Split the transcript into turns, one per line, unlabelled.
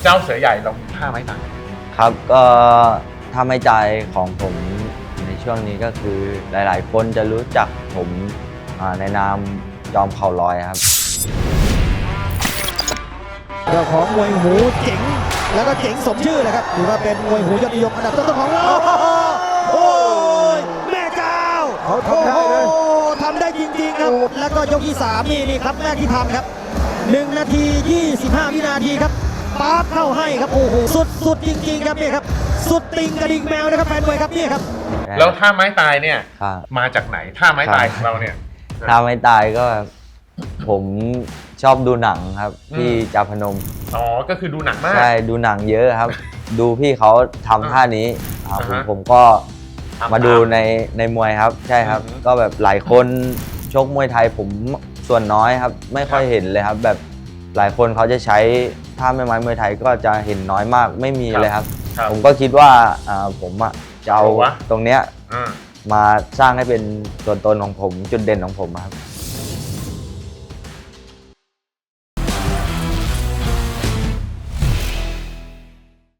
เจ้าเสือใหญ่เรามีท่าไม้ตาย
ครับก็ถ้าไม่ใจของผมในช่วงนี้ก็คือหลายๆ คนจะรู้จักผมในนามจอมเข่าลอยครับ
เจ้าของมวยหูเจ๋งแล้วก็เจ๋งสมชื่อเลยครับถือว่าเป็นมวยหูยอดนิยมอันดับต้นๆของเราโอ้ยแม่เจ้าเขาทำได้เลยทำได้จริงๆครับแล้วก็ยกที่3นี่ครับแรกที่ทำครับ1 นาที 25 วินาทีครับป๊าบเข้าให้ครับโอ้โหสุดจริงๆครับนี่ครับสุดติงกระดิ่งแมวนะครับแฟนมวยครับนี่ครับ
แล้วท่าไม้ตายเนี่ย
ครับ
มาจากไหนท่าไม้ตายของเราเนี่ย
ถ้าไม่ตายก็ผมชอบดูหนังครับที่จาพนม
อ๋อก็คือดูหนังมาก
ใช่ดูหนังเยอะครับ ดูพี่เขาทำท่านี้ครับ
อ่าฮะ
ผมก็
ทำ
มาดู
ตาม
ในมวยครับใช่ครับ
อือฮึ
ก็แบบหลายคนชกมวยไทยผมส่วนน้อยครับ ไม่ค่อยเห็นเลยครับ แบบหลายคนเขาจะใช้ท่าแม่ไม้มวยไทยก็จะเห็นน้อยมากไม่มีเลยครับ
ครับ
ผมก็คิดว่าผมจะเอา
เอาวะ
ตรงเนี้ย
อ่า
มาสร้างให้เป็นตัวตนของผมจุดเด่นของผมครับ